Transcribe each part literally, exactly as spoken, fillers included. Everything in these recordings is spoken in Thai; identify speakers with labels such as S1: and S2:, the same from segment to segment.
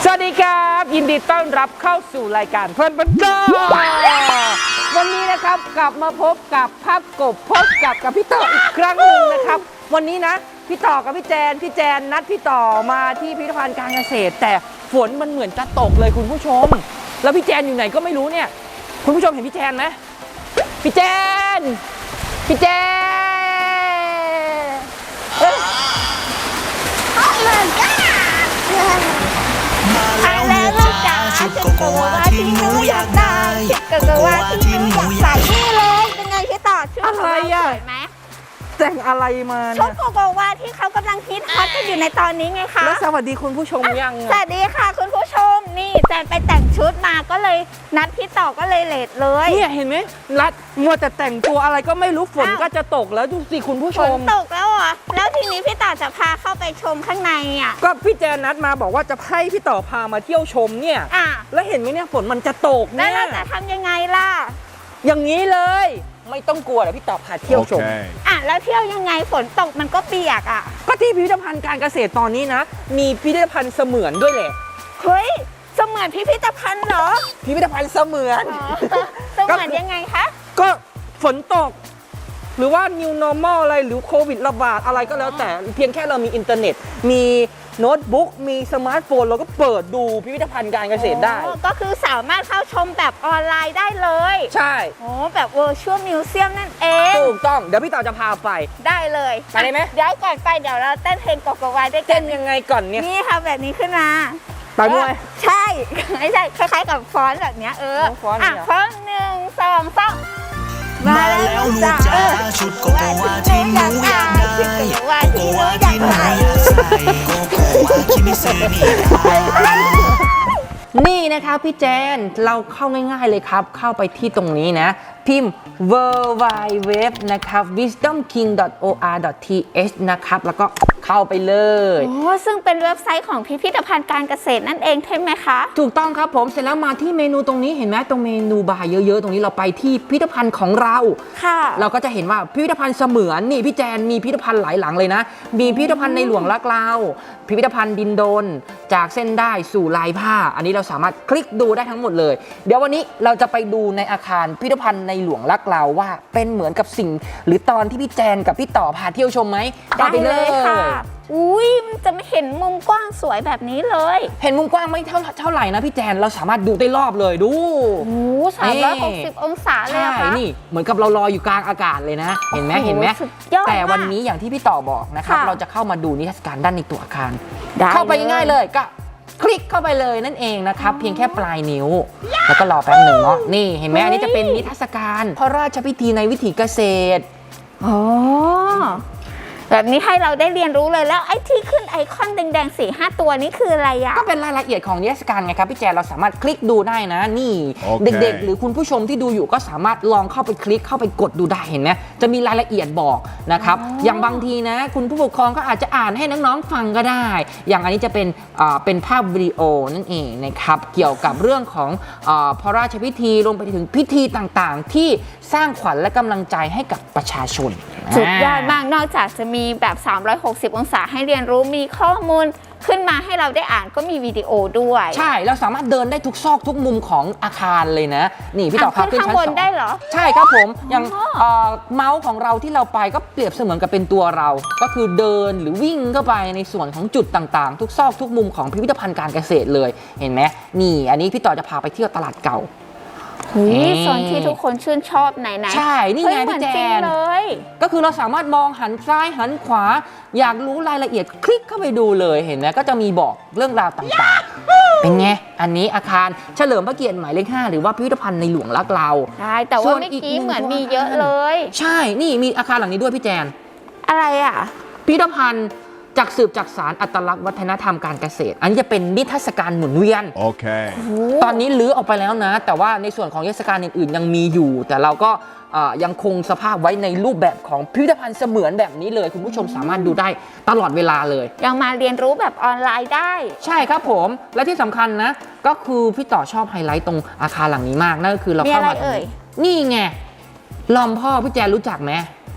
S1: สวัสดีครับยินดีต้อนรับเข้าสู่รายการเพลินบันเทิงวันนี้นะครับกลับมาพบกับภาพกบพบกับกับพี่ต่ออีกครั้งหนึ่งนะครับวันนี้นะพี่ต่อกับพี่แจนพี่แจนนัดพี่ต่อมาที่พิพิธภัณฑ์การเกษตรแต่ฝนมันเหมือนจะตกเลยคุณผู้ชมแล้วพี่แจนอยู่ไหนก็ไม่รู้เนี่ยคุณผู้ชมเห็นพี่แจนไหมพี่แจนพี่แจนเอ้ย
S2: มาแล้วลูกจ๋าชุดโกโกวาที่หนูอยากได้โกโกวาที่หนูอยากใส่นี่เลยเป็นไงพี่ต่อชุดของเราสวยไหม
S1: แต่งอะไรมา
S2: ชุด
S1: เนี่ย
S2: โกโกวาที่เขากำลังฮิตฮอตกันอยู่ในตอนนี้ไงคะ
S1: แล้วสวัสดีคุณผู้ชมยัง
S2: สวัสดีค่ะคุณผู้ชมนี่แจนไปแต่งชุดมาก็เลยนัดพี่ต่อก็เลยเลทเลย
S1: เนี่ยเห็นไหมรัดมัวแต่แต่งตัวอะไรก็ไม่รู้ฝนก็จะตกแล้วดูสิคุณผู้ช
S2: ฝน
S1: ม
S2: ตกแล้วเหรอแล้วทีนี้พี่ต่อจะพาเข้าไปชมข้างในอ่ะ
S1: ก็พี่แจนนัดมาบอกว่าจะให้พี่ต่อพามาเที่ยวชมเนี่ย
S2: อ่ะ
S1: แล้วเห็นไหมเนี่ยฝนมันจะตก
S2: แล้ว
S1: เนี่ย
S2: เราจะทำยังไงล่ะ
S1: อย่างนี้เลย ไม่ต้องกลัวเดี๋ยวพี่ต่อพาเที่ยวชม
S3: Okay.
S2: อ่ะแล้วเที่ยวยังไงฝนตกมันก็เปียกอ่ะ
S1: ก็ที่พิพิธภัณฑ์การเกษตรตอนนี้นะ มีพิพิธภัณฑ์เสมือนด้วยแหละ
S2: เฮ้ยเสมือนพิพิธภัณฑ์เหรอ
S1: พิพิธภัณฑ์เสมือน
S2: อ๋อเสมือนยังไงคะ
S1: ก็ฝนตก หรือว่า new normal อะไรหรือโควิดระบาดอะไรก็แล้วแต่เพียงแค่เรามีอินเทอร์เน็ต มีโน้ตบุ๊กมีสมาร์ทโฟนเราก็เปิดดูพิพิธภัณฑ์การเกษตรได้
S2: อ๋อก็คือสามารถเข้าชมแบบออนไลน์ได้เลย
S1: ใช่
S2: โอ้แบบ virtual museum นั่นเอง
S1: ถูกต้องเดี๋ยวพี่ต่อจะพาไป
S2: ได้เลย
S1: ไปเลยไหม
S2: เดี๋ยวก่อนไปเดี๋ยวเราเต้นเพลงโกโกวาด้วยกั
S1: เต้
S2: น
S1: นยังไงก่อนเนี่ย
S2: นี่ค่ะแบบนี้ขึ้นมา
S1: ต่อยมวย
S2: ใช่ ไม่ใช่คล้ายๆกับฟ้อนแบบเนี้ยเออ
S1: โอ้ฟ้อนเนี่
S2: อ่ะ
S1: ย
S2: ฟ้อนหนึ่งสองสาม
S3: มาแล้วลูกจ๋าชุดโกโกวาที่หนูอยากได้โกโกวาที่หนูอยากใส่โกโกวาคิมิซึนี่ได้
S1: นี่นะครับพี่แจนเราเข้าง่ายๆเลยครับ เข้าไปที่ตรงนี้นะ พิมพ์ ดับเบิลยู ดับเบิลยู ดับเบิลยู นะครับ วิสดอมคิง ดอท โอ อาร์ ดอท ที เอช นะครับแล้วก็เข้าไปเลย
S2: โอ้ซึ่งเป็นเว็บไซต์ของพิพิธภัณฑ์การเกษตรนั่นเองใช่ไหมคะ
S1: ถูกต้องครับผมเสร็จแล้วมาที่เมนูตรงนี้เห็นไหมตรงเมนูบาร์เยอะๆ ตรงนี้เราไปที่พิพิธภัณฑ์ของเรา
S2: ค่ะ
S1: เราก็จะเห็นว่าพิพิธภัณฑ์เสมือนนี่พี่แจนมีพิพิธภัณฑ์หลายหลังเลยนะ มีพิพิธภัณฑ์ในหลวงรักเราพิพิธภัณฑ์ดินโดนจากเส้นได้สู่ลายผ้า อันนี้เราสามารถคลิกดูได้ทั้งหมดเลย เดี๋ยววันนี้เราจะไปดูในอาคารพิพิธภัณฑ์ในหลวงรักเราว่าเป็นเหมือนกับสิ่ง หรือตอนที่พี่แจนกับพี่ต่อพาเที่ยวชมไหม
S2: ได้
S1: ไป
S2: เลยค่ะ อุ้ยมันจะไม่เห็นมุมกว้างสวยแบบนี้เลย
S1: เห็นมุมกว้างไม่เท่าเท่าไหร่นะพี่แจนเราสามารถดูได้รอบเลยดู
S2: โอ้สามร้อยหกสิบองศาเลย
S1: ใช่
S2: อะคะ
S1: นี่เหมือนกับเราลอยอยู่กลางอากาศเลยนะ เห็นไหม
S2: โอ้โห
S1: เห็นไหม
S2: สุดยอด
S1: แต่วัน
S2: มาก
S1: นี้อย่างที่พี่ต่อบอกนะครับ
S2: ค่ะ
S1: เราจะเข้ามาดูนิทรรศการด้านในตัวอาคาร
S2: ได้
S1: เข้าไป
S2: เลย
S1: ง่ายๆเลยก็คลิกเข้าไปเลยนั่นเองนะครับ เพียงแค่ปลายนิ้ว แล้วก็รอแป๊บหนึ่งเนาะนี่เห็นไหมอันนี้จะเป็นนิทรรศการพระราชพิธีในวิถีเกษตร
S2: อ๋อแบบนี้ให้เราได้เรียนรู้เลยแล้วไอ้ที่ขึ้นไอคอนแดงๆสี่ห้าตัวนี้คืออะไรอะ
S1: ก็เป็นรายละเอียดของนิทรรศการไงครับพี่แจนเราสามารถคลิกดูได้นะนี่
S3: โอเค
S1: เด็กๆ หรือคุณผู้ชมที่ดูอยู่ก็สามารถลองเข้าไปคลิกเข้าไปกดดูได้เห็นไหมจะมีรายละเอียดบอกนะครับอย่างบางทีนะ คุณผู้ปกครองก็อาจจะอ่านให้น้องๆฟังก็ได้ อย่างอันนี้จะเป็นอ่าเป็นภาพวิดีโอนั่นเองนะครับเกี่ยวกับเรื่องของอ่าพระราชพิธีรวมไปถึงพิธีต่างๆ ที่สร้างขวัญและกำลังใจให้กับประชาชน
S2: สุดยอดมากนอกจากจะมีแบบสามร้อยหกสิบองศาให้เรียนรู้มีข้อมูลขึ้นมาให้เราได้อ่านก็มีวิดีโอด้วย
S1: ใช่เราสามารถเดินได้ทุกซอกทุกมุมของอาคารเลยนะนี่พี่ต่อพา
S2: อ่ะ
S1: ขึ้น
S2: ข้าง
S1: ชั้น
S2: บ
S1: ส
S2: น
S1: อง
S2: ได้เหรอ
S1: ใช่ครับผมอย่าง
S2: อ๋อ
S1: เอ่อเมาส์ของเราที่เราไปก็เปรียบเสมือนกับเป็นตัวเรา ก็คือเดินหรือวิ่งเข้าไปในส่วนของจุดต่างๆ ทุกซอกทุกมุมของพิพิธภัณฑ์การเกษตรเลยเห็นไหมนี่อันนี้พี่ต่อจะพาไปเที่ยวตลาดเก่า
S2: เฮ้ย
S1: เอ๊ะ
S2: ส่วนที่ทุกคนชื่นชอบไหนไหน
S1: ใช่นี่ไง
S2: เหมือน
S1: พี่แจ
S2: จริง
S1: น
S2: เลย
S1: ก็คือเราสามารถมองหันซ้ายหันขวา อยากรู้รายละเอียดคลิกเข้าไปดูเลยเห็นไหมก็จะมีบอกเรื่องราวต่างๆ เป็นไงอันนี้อาคารเฉลิมพระเกียรติหมายเลขห้าหรือว่าพิพิธภัณฑ์ในหลวงรักเรา
S2: ใช่แต่
S1: ส่
S2: ว่า
S1: วน
S2: เมื่อ
S1: อีก
S2: กี้
S1: หนึ่ง
S2: เหมือน
S1: ตัว
S2: มีเยอะ
S1: อาคาร
S2: เลย
S1: ใช่นี่มีอาคารหลังนี้ด้วยพี่แจน
S2: อะไรอ่ะ
S1: พิพิธภัณฑ์จากสืบจากสารอัตลักษณ์วัฒนธรรมการเกษตร อันนี้จะเป็นนิทรรศการหมุนเวียน
S3: Okay.
S1: ตอนนี้ลื้อออกไปแล้วนะ แต่ว่าในส่วนของนิทรรศการอื่นๆยังมีอยู่ แต่เราก็เอ่อยังคงสภาพไว้ในรูปแบบของพิพิธภัณฑ์เสมือนแบบนี้เลย คุณผู้ชมสามารถดูได้ตลอดเวลาเลย
S2: ยังมาเรียนรู้แบบออนไลน์ได้
S1: ใช่ครับผมและที่สำคัญนะ ก็คือพี่ต่อชอบไฮไลท์ตรงอาคารหลังนี้มากนั่นก็คือเราเข้ามา
S2: มีอะไรเอ่ย
S1: นี่ไงลอมพ่อพี่แจนรู้จักไหม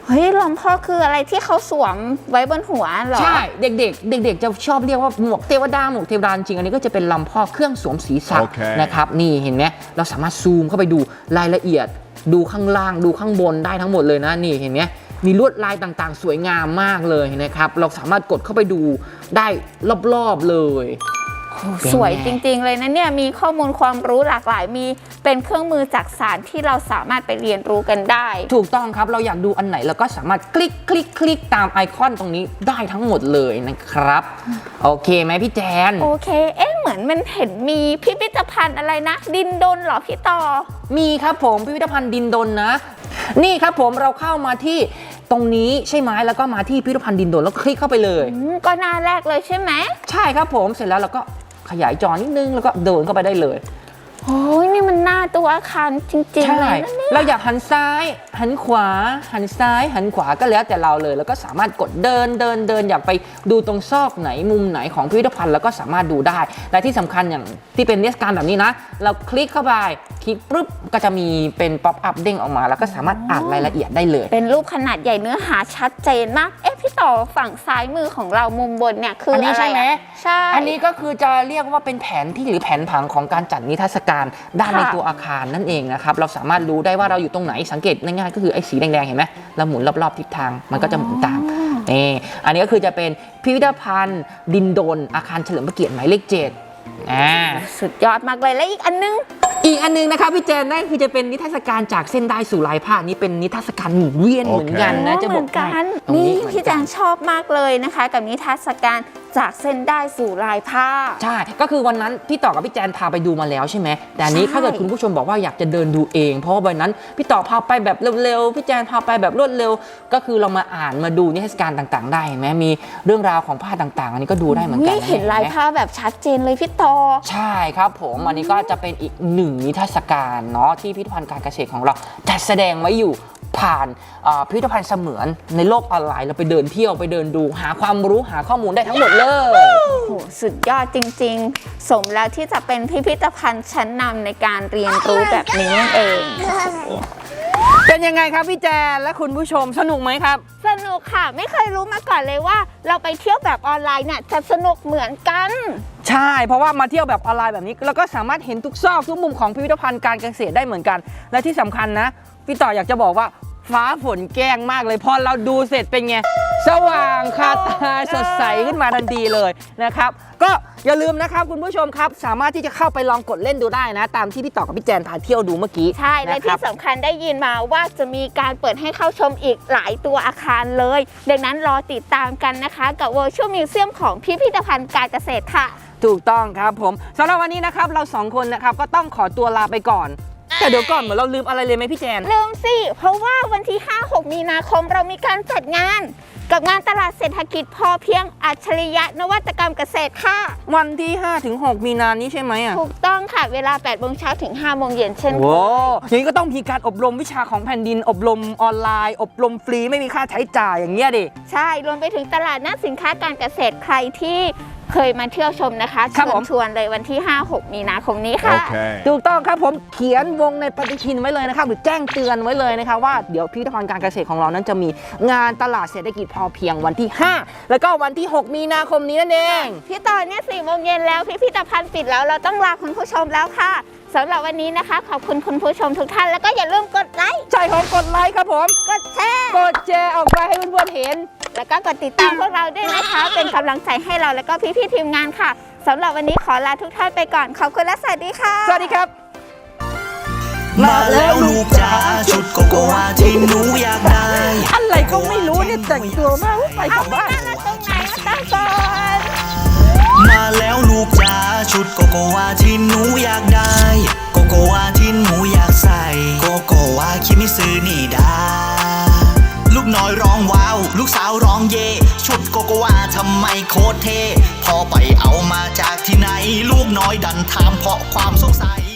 S2: เฮ้ยลำพ่อคืออะไรที่เขาสวมไว้บนหัวเหรอ
S1: ใช่เด็กๆ เด็กๆจะชอบเรียกว่าหมวกเทวดาหมวกเทวดาจริงอันนี้ก็จะเป็นลำพ่อเครื่องสวมศีรษะ
S4: โอเค
S1: นะครับนี่เห็นไหมเราสามารถซูมเข้าไปดูรายละเอียด ดูข้างล่างดูข้างบนได้ทั้งหมดเลยนะนี่เห็นไหมมีลวดลายต่างๆ สวยงามมากเลยนะครับเราสามารถกดเข้าไปดูได้รอบๆเลย
S2: สวยจริงๆเลยนะเนี่ยมีข้อมูลความรู้หลากหลายมีเป็นเครื่องมือจักสานที่เราสามารถไปเรียนรู้กันได้
S1: ถูกต้องครับเราอยากดูอันไหนเราก็สามารถคลิกคลิกคลิกตามไอคอนตรงนี้ได้ทั้งหมดเลยนะครับโอเคไหมพี่แจน
S2: โอเคเอ๊ะเหมือนมันเห็นมีพิพิธภัณฑ์อะไรนะ ดินดนเหรอพี่ต่อ
S1: มีครับผมพิพิธภัณฑ์ดินดนนะ นี่ครับผมเราเข้ามาที่ตรงนี้ใช่ไหมแล้วก็มาที่พิพิธภัณฑ์ดินดนแล้วคลิกเข้าไปเลย
S2: อืมก็หน้าแรกเลยใช่ไหม
S1: ใช่ครับผมเสร็จแล้วเราก็ขยายจอนิดนึงแล้วก็เดินเข้าไปได้เลย
S2: โอ้ยนี่มันหน้าตัวอาคารจริงๆ
S1: ใช่
S2: เลยนะเนี่ย
S1: เราอยากหันซ้าย หันขวา หันซ้าย หันขวาก็แล้วแต่เราเลย แล้วก็สามารถกดเดินเดินเดินอยากไปดูตรงซอกไหนมุมไหนของพิพิธภัณฑ์แล้วก็สามารถดูได้และที่สำคัญอย่างที่เป็นนิทรรศการแบบนี้นะ เราคลิกเข้าไปคลิกปุ๊บก็จะมีเป็นป๊อปอัพเด้งออกมา แล้วก็สามารถอ่านรายละเอียดได้เลย
S2: เป็นรูปขนาดใหญ่เนื้อหาชัดเจนมากเอ๊ะพี่ต่อฝั่งซ้ายมือของเรามุมบนเนี่ยคือ
S1: อั
S2: อั
S1: นนี้ใช่ไหม
S2: ใช่
S1: อันนี้ก็คือจะเรียกว่าเป็นแผนที่หรือแผนผังของการจัดนิทรรศการด้านในตัวอาคารนั่นเองนะครับเราสามารถรู้ได้ว่าเราอยู่ตรงไหนสังเกตง่ายๆก็คือไอ้สีแดงๆเห็นไหมเราหมุนรอบๆทิศทางมันก็จะหมุนตามนี่อันนี้ก็คือจะเป็นพิพิธภัณฑ์ดินดนอาคารเฉลิมพระเกียรติหมายเลขเจ็ดอ่า
S2: สุดยอดมากเลยและอีกอันนึง
S1: อีกอันนึงนะครับพี่แจนนั่นคือจะเป็นนิทรรศการจากเส้นได้สู่ลายผ้านี่เป็นนิทรรศการหมุนเวียนเหมือนกันนะ
S2: โอ้
S1: จะบอก
S2: เหมือนกัน
S1: ตรง
S2: นี่
S1: เหมือ
S2: พี่
S1: กั
S2: แจงชอบมากเลยนะคะ กับนิทรรศการจากเส้นได้สู่ลายผ้า
S1: ใช่ ก็คือวันนั้นพี่ต่อกับพี่แจนพาไปดูมาแล้วใช่ไหม แต่อันนี้
S2: ใช่
S1: ถ้าเกิดคุณผู้ชมบอกว่าอยากจะเดินดูเอง เพราะว่าวันนั้นพี่ต่อพาไปแบบเร็วๆ พี่แจนพาไปแบบรวดเร็ว ก็คือเรามาอ่านมาดูนิทรรศการต่างๆ ได้เห็นไหมมีเรื่องราวของผ้าต่างๆ อันนี้ก็ดูได้เหมือนกัน
S2: นี่เห็นลายผ้าแบบชัดเจนเลยพี่ต่อ
S1: ใช่ครับผม อันนี้ก็จะเป็นอีกหนึ่งนิทรรศการเนาะที่พิพิธภัณฑ์การเกษตรของเราจัดแสดงไว้อยู่ผ่านอ่าพิพิธภัณฑ์เสมือนในโลกออนไลน์เราไปเดินเที่ยวไปเดินดูหาความรู้หาข้อมูลได้ทั้งหมดเลย
S2: โอ้โหสุดยอดจริงๆ สมแล้วที่จะเป็นพิพิธภัณฑ์ชั้นนำในการเรียนรู้แบบนี้นั่นเอง
S1: เป็นยังไงครับพี่แจนและคุณผู้ชมสนุกไหมครับ
S2: สนุกค่ะไม่เคยรู้มาก่อนเลยว่า เราไปเที่ยวแบบออนไลน์เนี่ยจะสนุกเหมือนกัน
S1: ใช่ เพราะว่ามาเที่ยวแบบออนไลน์แบบนี้เราก็สามารถเห็นทุกซอกทุกมุมของพิพิธภัณฑ์การเกษตรได้เหมือนกัน และที่สำคัญนะพี่ต่ออยากจะบอกว่าฟ้าฝนแกล้งมากเลยพอเราดูเสร็จเป็นไงสว่างคาตาสดใสขึ้นมาทันทีเลยนะครับก็อย่าลืมนะครับคุณผู้ชมครับสามารถที่จะเข้าไปลองกดเล่นดูได้นะ ตามที่พี่ต่อกับพี่แจนพาเที่ยวดูเมื่อกี้
S2: ใช่และ
S1: นค
S2: ที่
S1: รับ
S2: สำคัญได้ยินมาว่าจะมีการเปิดให้เข้าชมอีกหลายตัวอาคารเลย ดังนั้นรอติดตามกันนะคะกับ Virtual Museum ของพิพิธภัณฑ์การเกษตรค่ะ
S1: ถูกต้องครับผมสำหรับวันนี้นะครับเราสองคนนะครับก็ต้องขอตัวลาไปก่อน แต่เดี๋ยวก่อนเหมือนเราลืมอะไรเลยไหมพี่แจน
S2: ลืมสิ เพราะว่าวันที่ ห้าหก มีนาคมเรามีการจัดงาน กับงานตลาดเศรษฐกิจพอเพียงอัจฉริยะนวัตกรรมเกษตรค่ะ
S1: วันที่ห้าถึงหกมีนานี้ใช่ไหมอ่ะ
S2: ถูกต้องค่ะเวลา แปดโมงเช้าถึง ห้าโมงเย็นเช่น
S1: โว้อย่างนี้ก็ต้องมีการอบรมวิชาของแผ่นดิน อบรมออนไลน์ อบรมฟรีไม่มีค่าใช้จ่ายอย่างเงี้ยดิ
S2: ใช่ รวมไปถึงตลาดนัดสินค้าการเกษตรใครที่เคยมาเที่ยวชมนะคะ
S1: ครับ
S2: เชิ
S1: ผ
S2: ญ
S1: ม
S2: ชวนเลยวันที่ ห้าหก มีนาคมนี้ค่ะ
S4: Okay.
S1: ถูกต้องครับผมเขียนวงในปฏิทินไว้เลยนะครับหรือแจ้งเตือนไว้เลยนะครับว่าเดี๋ยวพิพิธภัณฑ์การเกษตรของเรานั้นจะมีงานตลาดเศรษฐกิจพอเพียงวันที่ ห้า แล้วก็วันที่ หก มีนาคมนี้นั่นเอง
S2: พี่ต่อเนี่ยสี่โมงเย็นแล้วพิพิธภัณฑ์ปิดแล้วเราต้องลาคุณผู้ชมแล้วค่ะสำหรับวันนี้นะคะ ขอบคุณคุณผู้ชมทุกท่านแล้วก็อย่าลืมกดไลค์
S1: ใช่ของกดไลค์ครับผม
S2: กดแชร์
S1: กดแชร์ออกไปให้เพื่อนๆเห็น
S2: แล้วก็กดติดตามพวกเราด้วยนะคะ เป็นกำลังใจให้เราแล้วก็พี่ๆทีมงานค่ะสำหรับวันนี้ขอลาทุกท่านไปก่อนขอบคุณและสวัสดีค่ะ
S1: สวัสดีครับ
S3: มาแล้วลูกจ๋าชุดโกโกวาที่หนูอยากได้
S1: อะไรก็ไม่รู้เนี่ยแต่งตัวมากไปก
S2: เอา
S1: ลับ
S2: ไม่
S1: บ้าน
S2: นั่งตรงไหนมาตั้งก่อน
S3: มาแล้วลูกจ๋าชุดโกโกวาที่หนูอยากได้ โกโกวาที่หนูอยากใส่ โกโกวาคิมิซึนี่ดา ลูกน้อยร้องว้าว ลูกสาวร้องเย่ชุดโกโกวาทำไมโคตรเท่พอไปเอามาจากที่ไหน ลูกน้อยดันถามเพราะความสงสัย